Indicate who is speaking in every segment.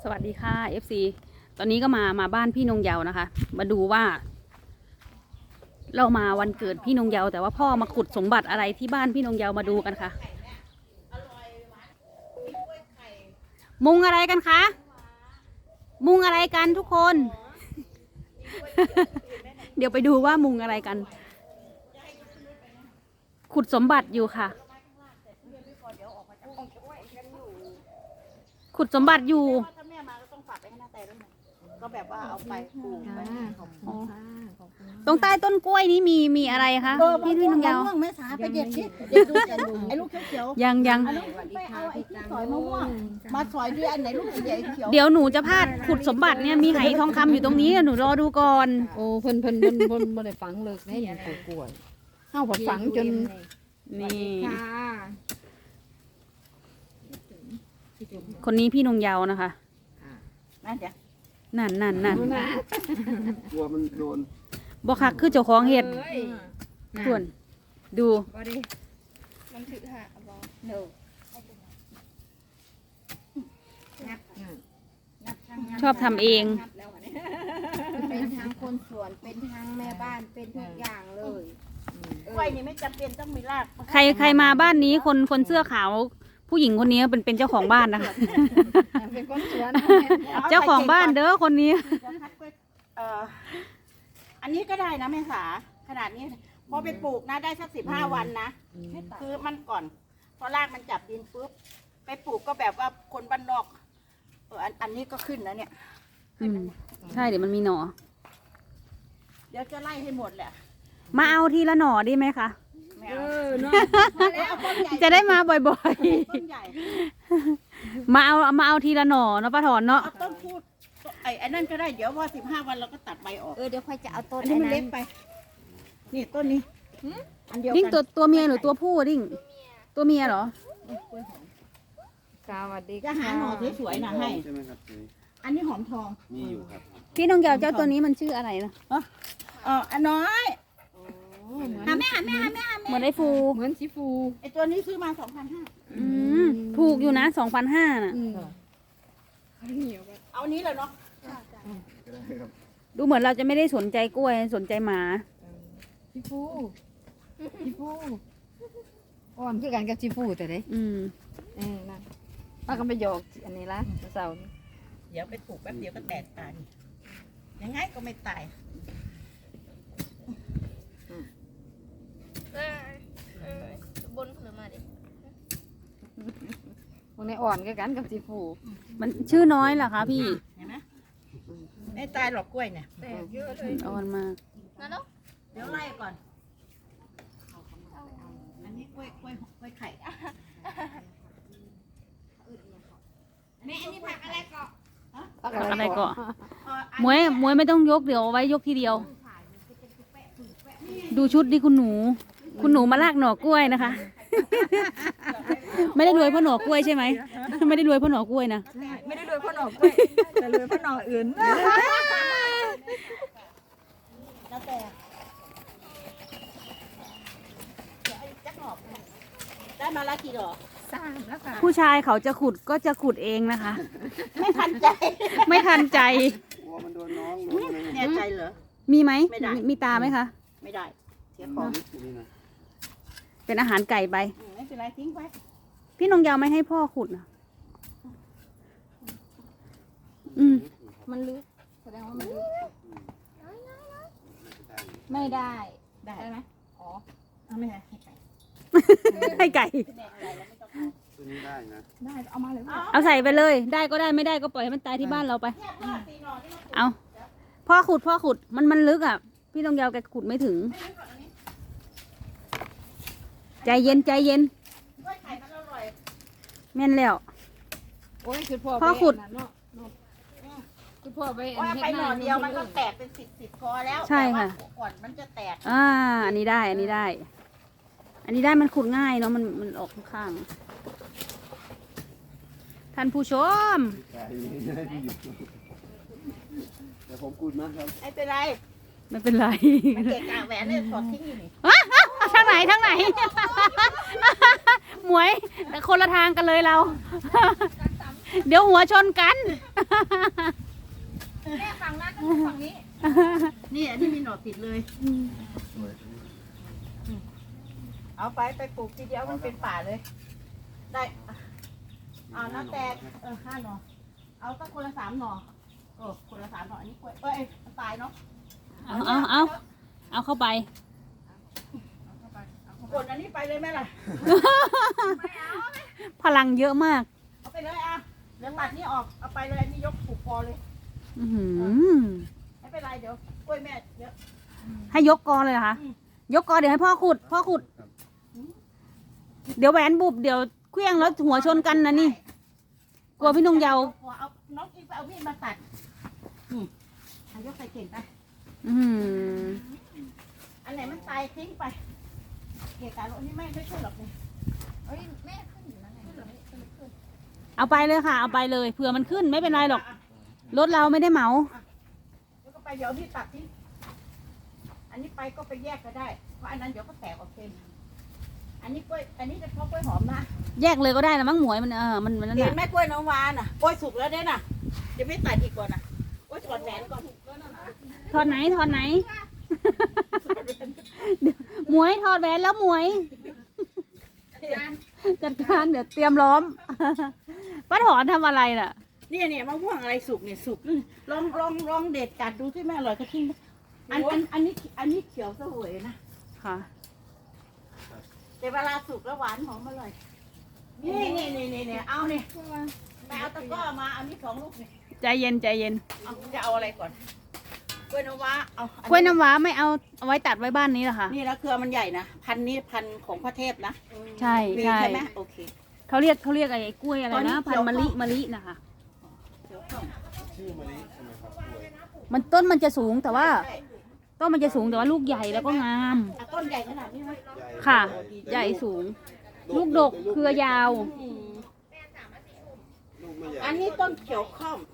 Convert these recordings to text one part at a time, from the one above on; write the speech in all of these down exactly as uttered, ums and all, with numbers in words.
Speaker 1: สวัสดีค่ะ เอฟ ซี ตอนนี้ก็มามาบ้านพี่นงเยาว์นะคะ มาดูว่า เรามาวันเกิดพี่นงเยาว์แต่ว่าพ่อมาขุดสมบัติอะไรที่บ้านพี่นงเยาว์มาดูกันค่ะ มุงอะไรกันคะ มุงอะไรกันทุกคน เดี๋ยวไปดูว่ามุงอะไรกัน ขุดสมบัติอยู่ค่ะ ขุดสมบัติอยู่
Speaker 2: ถ้าแม่มาก็ต้องฝากไปให้น้าแต่ด้วยนะก็แบบว่าเอาไปปลูกไปขอบคุณค่ะขอบคุณ
Speaker 1: ตรงใต้ต้นกล้วยนี้มีมีอะไรคะพี่พี่นงเยาว์
Speaker 2: มะม่วงแม่สาไปเด็ดสิเด็ดดูไอ้ลูกเขียวๆ
Speaker 1: ยังยัง
Speaker 2: อันลูกไปเอาไอ้ที่สอยมะม่วงมาสอยด้วยอันไหนลูกใหญ่เขียว
Speaker 1: เดี๋ยวหนูจะพาดขุดสมบัติเนี่ยมีไหทองคำอยู่ตรงนี้หนูรอดูก่อน
Speaker 3: โอ้เพิ่นเพิ่นเพิ่นเพิ่นบ่ได้ฝังเลิกแน่ยังปลูกกล้วยเฮาผัดฝังจน
Speaker 1: นี่
Speaker 3: ค่ะ
Speaker 1: คนนี้พี่นงเยาว์นะคะ
Speaker 2: นั่นจ้ะ
Speaker 1: นั่นนั่นนั่น
Speaker 4: กลัวมันโดน
Speaker 1: บ่คักคือเจ้าของเห็ดส่วนดู
Speaker 3: บ่ได้
Speaker 5: มันถือหาบอ
Speaker 2: เดี๋ยว
Speaker 1: ชอบทำเอง
Speaker 5: เป็นทางคนสวนเป็นทางแม่บ้านเป็นทุกอย่างเลย
Speaker 2: กล้วยนี่ไม่จำเป็นต้องมีราก
Speaker 1: ใครใครมาบ้านนี้คนคนเสื้อขาวผู้หญิงคนนี้เป็นเป็นเจ้าของบ้านนะคะ
Speaker 3: เป็นคนสวน
Speaker 1: เจ้าของบ้านเด้อคนนี้
Speaker 2: จะคัดกล้วยเอ่ออันนี้ก็ได้นะแม่สาขนาดนี้พอไปปลูกนะได้สักสิบห้าวันนะคือมันก่อนพอรากมันจับดินปุ๊บไปปลูกก็แบบว่าคนบ้านนอกเอออันอันนี้ก็ขึ้นแล้วเนี่ย
Speaker 1: อืมใช่เดี๋ยวมันมีหน่อ
Speaker 2: เดี๋ยวจะไล่ให้หมดแหละ
Speaker 1: มาเอาทีละหน่อได้ไหมคะ
Speaker 2: ไม่
Speaker 3: เอ
Speaker 2: เอา
Speaker 3: อเนาะ
Speaker 2: เอาต้นใหญ่
Speaker 1: จะได้มาบ่อย
Speaker 2: ต้นใหญ่
Speaker 1: ๆ มาเอามาเอาทีละหน่อเนาะป้าถอนเนาะ
Speaker 2: เอาต้นพูดไอ้ไอ้นั่นก็ได้เดี๋ยวพอสิบห้าวันเราก็ตัดใบออก
Speaker 5: เออเดี๋ยวค่อยจะเอาต้น
Speaker 2: อันนี้มันเล็กไป นี่ต้นนี้อันเดียว
Speaker 1: ดิ้ง
Speaker 2: กัน
Speaker 1: ตัวตัวเมียหรือตัวผู้ดิ้งตัวเมียเหรอ
Speaker 3: สวัสดี
Speaker 2: จะหาหน่อสวยๆนะให้
Speaker 4: ใช่ไหมครับนี่
Speaker 2: อันนี้หอมทอง
Speaker 4: มีอยู่ครับ
Speaker 1: พี่นงเยาว์เจ้าตัวนี้มันชื่ออะไรนะ
Speaker 2: เอออันน้อย
Speaker 3: เหมือน
Speaker 2: หาแม่หาแม่หาแม่หา
Speaker 1: เห
Speaker 2: แม่
Speaker 1: มือนไอ้ฟู
Speaker 3: เหมือนสีฟู
Speaker 2: ไอตัวนี้ซื้อมาสองพันห้า
Speaker 1: อืมถูกอยู่นะสองพันห้าน่ะ
Speaker 3: อืม
Speaker 2: เอานี้เลยเนาะ
Speaker 4: ก็ได้ครับ
Speaker 1: ดูเหมือนเราจะไม่ได้สนใจกล้วยสนใจหมา
Speaker 3: สีฟูสีฟูอ่อนคือกันกับสีฟูแต่เด้
Speaker 1: อืม
Speaker 3: เออนั่นป้าก็ไปหยอกอันนี้ละเสาร์นี้
Speaker 2: เดี๋ยวไปปลูกแป๊บเดียวก็แตกตายยังไงก็ไม่ตาย
Speaker 5: เออเออบนผลมาดิ
Speaker 3: พวกนี้อ่อนคือกันกับสีฟู
Speaker 1: มันชื่อน้อยเหรอคะพี่
Speaker 2: เห็นไหมไม่ตายหรอกกล้วยเนี่ย
Speaker 5: แต่เยอะเลย
Speaker 1: อ่อนมาก
Speaker 5: นั่นเนาะ
Speaker 2: เดี๋ยวไล่ก่อนอันนี้กล้วยกล้วยกล้วยไข่แม่อันนี้ผักอะไรก่อน
Speaker 3: พัก
Speaker 1: อะไรก็
Speaker 2: เอ่ออัน
Speaker 1: มวยมวยไม่ต้องยกเดี๋ยวเอาไว้ยกทีเดียว ดูชุดดิคุณหนู คุณหนูมาลากหน่อกล้วยนะคะ ไม่ได้รวยเพราะหน่อกล้วยใช่ไหมไม่ได้รวยเพราะหน่อกล้วยนะ
Speaker 3: ไม่ได้รวยเพราะหน่อกล้วยแต่รวยเพราะหน่ออื่น
Speaker 2: แล้วแต่เดี๋ยวไอ้จักหนอกได้มาละกี่ดอก
Speaker 3: สร้างแล้วค่ะ
Speaker 1: ผู้ชายเขาจะขุดก็จะขุดเองนะคะ
Speaker 2: ไม่ทันใจ
Speaker 1: ไม่ทันใจ
Speaker 4: กลัวมันโดนน้องโดนอะไร
Speaker 2: แน่ใจเหรอ
Speaker 1: มีไหม
Speaker 2: ไม่ได้
Speaker 1: มีตาไหมคะ
Speaker 2: ไม่ได้ เสียข
Speaker 4: ข
Speaker 2: อ
Speaker 4: อง งนี่นะ
Speaker 1: เป็นอาหารไก่ไป
Speaker 2: อืมไม่เป็นไรทิ้งไป
Speaker 1: พี่นงยาวไม่ให้พ่อขุดนะอืม
Speaker 3: มันลึกแสดงว่ามันลึก
Speaker 1: ไม่ได้
Speaker 2: ได้
Speaker 3: ได้ไหม
Speaker 2: อ๋อเอาไม่ได้ให้ไก่
Speaker 1: ให้ไก่
Speaker 2: แน่อะไรแล้วไม่ต้องเอา
Speaker 4: ตัวนี้ได้นะ
Speaker 3: ได้เอามาเลย
Speaker 2: เอา
Speaker 1: เอาใส่ไปเลย ได้ก็ได้ไม่ได้ก็ปล่อยให้มันตายที่บ้านเราไป
Speaker 2: เนี่ยพ่อตีหน่อที่เราปลูก
Speaker 1: เอาพ่อขุดพ่อขุดมันมันลึกอ่ะ พี่นงยาวแกขุดไม่ถึง
Speaker 2: ไม่รู้ก่อนอันนี้
Speaker 1: ใจเย็นใจเย็น
Speaker 2: กล้วยไข่มันอร่อย
Speaker 1: แม่นแล้ว
Speaker 3: โอ้ยคือพ่อ
Speaker 1: พ่อขุด
Speaker 3: ไปนนั้นเนาะเนาะคือพ่อไปอัน
Speaker 2: ว่า
Speaker 3: เฮ็ด
Speaker 2: ไปหน่อ
Speaker 3: นา
Speaker 2: เดียวมันก็แตกเป็นสิบสิบคอแล้ว
Speaker 1: ใช่ค่ะ
Speaker 2: แต่ว่าก่อนมันจะแตก
Speaker 1: อ่า อันนี้ได้ อันนี้ได้ อันนี้ได้มันขุดง่ายเนาะมันมันออกข้างๆท่านผู้ชม
Speaker 4: ไก่ให้ที่อยู่แต่ผมกูดนะครับ
Speaker 2: ไม่เป็นไร
Speaker 1: ไม่เป็นไร
Speaker 2: มันเกะกะแหวนเนี่ยถอดทิ้งอยู่นี่
Speaker 1: ทางไหนทางไหน หมวยแต่คนละทางกันเลยเราเดี๋ยวหัวชนกัน
Speaker 3: แม่ฝั่งนั้นต้องฝั่งนี้
Speaker 2: นี่อันนี้มีหน่อติดเลย เอาไปไปปลูกทีเดียวมันเป็นป่าเลย ได้เอาน้าแตกเออห้าหน่อ เอาตั้งคนละสามหน่อเออคนละสามหน่ออันนี้กล้วยเอ้ยมันตายเนาะ
Speaker 1: เอาเอาเอาเอาเข้าไป
Speaker 2: กดอันนี้ไปเลยไหมล่ะ
Speaker 1: พลังเยอะมาก
Speaker 2: เอาไปเลยอ่ะเดี๋ยวตัดนี่ออก เอาไปเลยอันนี้ยกปลูกพอเลย
Speaker 1: อื้อหือ
Speaker 2: ไม่เป็นไรเดี๋ยวกล้วยแม่เดี๋ยว
Speaker 1: ให้ยกกอเลยเหรอคะ
Speaker 2: อืม
Speaker 1: ยกกอเดี๋ยวให้พ่อขุด พ่อขุด เดี๋ยวแหวนบุบเดี๋ยวเคลี้ยงแล้วหัวชนกันนะนี่ กลัวพี่นงเยาว์
Speaker 2: เอาเอาน้องอีไปเอามีดมาตัดอืมเอายกใส่เข่งไป
Speaker 1: อื้อหือ
Speaker 2: อันไหนมันตายทิ้งไป เกะกะรถนี่ไม่ไม่ช่วยหรอกเนี่ย
Speaker 3: เอ้ยแม่ขึ้นอยู่แล้วไง
Speaker 1: เอาไปเลยค่ะ เอาไปเลย เผื่อมันขึ้นไม่เป็นไรหรอก รถเราไม่ได้เหมา
Speaker 2: แล้วก็ไปเดี๋ยวพี่ตัดทิ้งอันนี้ไปก็ไปแยกก็ได้ เพราะอันนั้นเดี๋ยวก็แตกออกเองอันนี้กล้วย อันนี้จะเพาะกล้วยหอมนะ
Speaker 1: แยกเลยก็ได้นะมั้งหมวยมันเออ มันมันนั่น
Speaker 2: เห็น
Speaker 1: แห
Speaker 2: ไหม
Speaker 1: ละ
Speaker 2: กล้วยน้ำว้าน่ะ กล้วยสุกแล้วเด้น่ะ เดี๋ยวไม่ตัดอีกก่อนน่ะกล้วยถอดแหวนก่อน
Speaker 1: ถอดไหนถอดไหน หมวยถอดแหวนแล้วหมวย จัดการเดี๋ยวเตรียมล้อม ป้าถอนทำอะไรล่ะ
Speaker 2: เนี่ยเนี่ยมะม่วงอะไรสุกเนี่ยสุกนี่ลองลองลองเด็ดกัดดูที่แม่อร่อยก็ทิ้งอันอันอันนี้อันนี้เขียวเสวยนะ
Speaker 1: ค่ะ
Speaker 2: แต่เวลาสุกแล้วหวานหอมอร่อย นี่นี่นี่นี่นี่เอาเนี่ยไปเอาตะกร้อมาเอานี่สองลูกนี่
Speaker 1: ใจเย็นใจเย็น
Speaker 2: เอาจะเอาอะไรก่อน กล้วยน้ำว้าเอาอั
Speaker 1: กล้วยน้ำว้าไม่เอาเอาไว้ตัดไว้บ้านนี้เหรอคะ
Speaker 2: นี่นะเครือมันใหญ่นะ พันธุ์นี้พันธุ์ของพระเทพนะ
Speaker 1: ใช่
Speaker 2: มี
Speaker 1: ใช่
Speaker 2: ใช่ไหมโอเค
Speaker 1: เขาเรียกเขาเรียกไอ้กล้วยอะไร
Speaker 2: ตอนนี้
Speaker 1: นะ
Speaker 2: เขี
Speaker 1: พัน
Speaker 2: ยว
Speaker 1: ธุ์มะลิ
Speaker 2: เข้า
Speaker 1: มะลินะคะ
Speaker 2: เดี๋ยวก่อน
Speaker 4: ชื่อมะลิใช่ไหมครับกล้วย
Speaker 1: มันต้นมันจะสูงแต่ว่า
Speaker 2: ใช่
Speaker 1: ต้นมันจะสูงแต่ว่าลูกใหญ่แล้วก็งาม
Speaker 2: อ่ะต้นใหญ่ขนาดนี้ไหม
Speaker 1: ค่ะ ใหญ่สูง ลูกดกเครือยาว
Speaker 2: อืม
Speaker 4: ลูกไม่ใหญ่
Speaker 2: อันนี้ต้นเขียวข้อม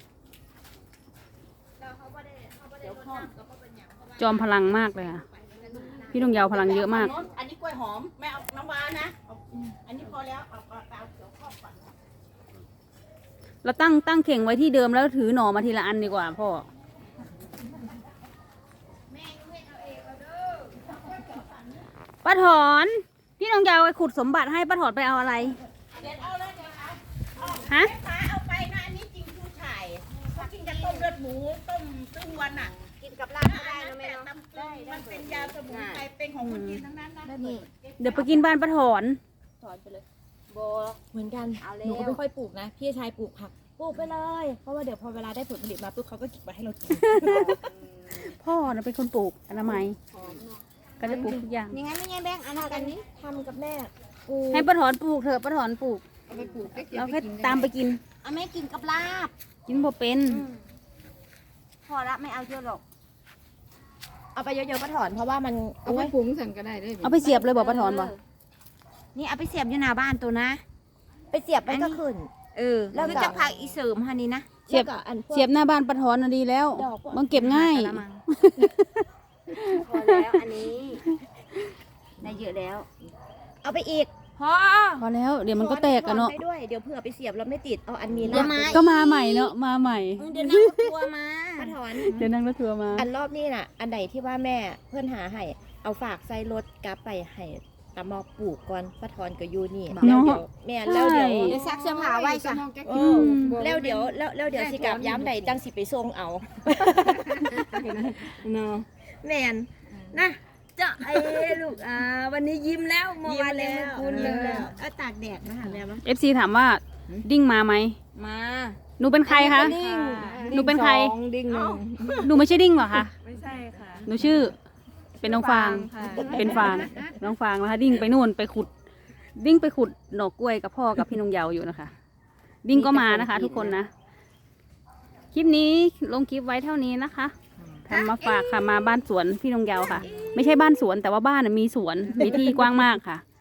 Speaker 2: เขียวข้อม
Speaker 1: จอมพลังมากเลยค่ะ พี่ดวงยาวพลังเยอะมาก
Speaker 2: อันนี้กล้วยหอมไม่เอาน้ำว้านะเอาอันนี้พอแล้วเอาเอาเอาเขียวข้อมก่อน
Speaker 1: เราตั้งตั้งเข่งไว้ที่เดิมแล้วถือหน่อมาทีละอันดีกว่าพ่อ ป้าถอน พี่ดวงยาวไปขุดสมบัติให้ป้าถอนไปเอาอะไร
Speaker 2: เด็ดเอาเลยเด็ดเอา
Speaker 1: ฮะ
Speaker 2: แม่ค้าเอาไปนะอันนี้จริงผู้ชายเขากินกับต้มเลือดหมูต้มตึ้งวันอ่ะ
Speaker 5: กินกับลาบก็ได้นะแม่เนาะ
Speaker 2: น้ำได้มันเป็นยาสมุนไพรเป็นของคนจีนทั้งนั้นนะ
Speaker 5: ได้นี่
Speaker 1: เดี๋ยวไปกินบ้านป้าถอน
Speaker 5: ถอนไปเลยโบ
Speaker 6: เหมือนกัน
Speaker 5: เอาแล้ว
Speaker 6: หนูก็ไม่ค่อยปลูกนะ พี่ชายปลูกผัก ปลูกไปเลย เพราะว่าเดี๋ยวพอเวลาได้ผลผลิตมาปุ๊บเขาก็เก็บไว้ให้เรากิน
Speaker 1: พ่อนะเป็นคนปลูกอนามัยก็จะปลูกทุกอย่าง
Speaker 5: ยังไงไม่ไงแบงค์อันนั้นกันนี้
Speaker 6: ทำกับแม่ปลูก
Speaker 1: ให้ป้าถอนปลูกเถอะป้าถอนปลูก
Speaker 3: เอาไปปลูกได้เก็บ
Speaker 1: เรา
Speaker 3: ไป
Speaker 1: แค่
Speaker 3: กินได้
Speaker 1: ตามไปกิน
Speaker 5: เอาแม่กินกับลาบ
Speaker 1: กินพอเป็น
Speaker 5: พอละไม่เอาเยอะหรอก
Speaker 6: เอาไปเยอะๆก็ถอน เพราะว่ามัน
Speaker 3: เอาไปปรุงสั่นก็ได้ได้
Speaker 1: เอาไปเสียบเลยบอกป้าถอนบอก
Speaker 5: นี่เอาไปเสียบอยู่หน้าบ้านตัวนะ
Speaker 6: ไปเสียบไปก็ขึ้น
Speaker 5: เออ แล้วก็จะพักอีเสริมฮันนี่นะ
Speaker 1: เสียบ
Speaker 6: แล้วก็อันพวก
Speaker 1: เสียบหน้าบ้านป้าถอนน่ะดีแล้ว
Speaker 6: ดอกพวก
Speaker 1: มันเก็บง่าย
Speaker 5: กะละมังพอแล้วอันนี้ ได้เยอะแล้ว
Speaker 6: เอาไปอีก
Speaker 5: พอ
Speaker 1: พอแล้วเดี๋ยวมันก็แตกอะเนาะ
Speaker 6: ถอไปด้วย เดี๋ยวเผื่อไปเสียบแล้วไม่ติด เอาอันมี
Speaker 5: เดี๋ยวมา
Speaker 1: ก็มาใหม่เนาะมาใหม่
Speaker 5: เดี๋ยวนั่งรถทัวร์มา
Speaker 6: มาถอน
Speaker 1: เดี๋ยวนั่งรถทัวร์มา
Speaker 6: อันรอบนี้น่ะ อันไหนที่ว่าแม่เพื่อนหาให้ เอาฝากใส่รถกลับไปให้ตามอปลูกก่อนป้าถอนกับยูนี่ แล้วเดี๋ยวแม่แล้วเดี๋ยว
Speaker 1: ใช่
Speaker 5: เดี๋ยวซักเสื้อผ้าไว้จ้ะ
Speaker 6: เออแล้วเดี๋ยวแล้วแล้วเดี๋ยวสิกลับย้ำใดจังสิไปส่งเอา
Speaker 5: เนาะแมนนะเจ้าไอ้ลูกอ่าวันนี้ยิ้มแล้วเมื่อวานเลยคุณยิ้มแล้วเอาตากแดดมาหาแม่มั้ง
Speaker 1: เอฟซีถามว่าดิ้งมาไหม
Speaker 5: มา
Speaker 1: หนูเป็นใครคะ
Speaker 5: ดิ้ง
Speaker 1: หนูเป็นใคร
Speaker 5: สองดิ้งหนึ่ง
Speaker 1: หนูไม่ใช่ดิ้งเหรอคะ
Speaker 5: ไม่ใช่ค่ะ
Speaker 1: หนูชื่อ เป็นน้องฟาง
Speaker 5: ค่ะ
Speaker 1: เป็นฟาง น้องฟางนะคะ ดิ้งไปนู่นไปขุด ดิ้งไปขุดหน่อกล้วยกับพ่อกับพี่นงเยาวอยู่นะคะ ดิ้งก็มานะคะ ทุกคนนะ คลิปนี้ลงคลิปไว้เท่านี้นะคะทำมาฝากค่ะมาบ้านสวนพี่นงเยาวค่ะ ไม่ใช่บ้านสวนแต่ว่าบ้านน่ะมีสวนมีที่กว้างมากค่ะ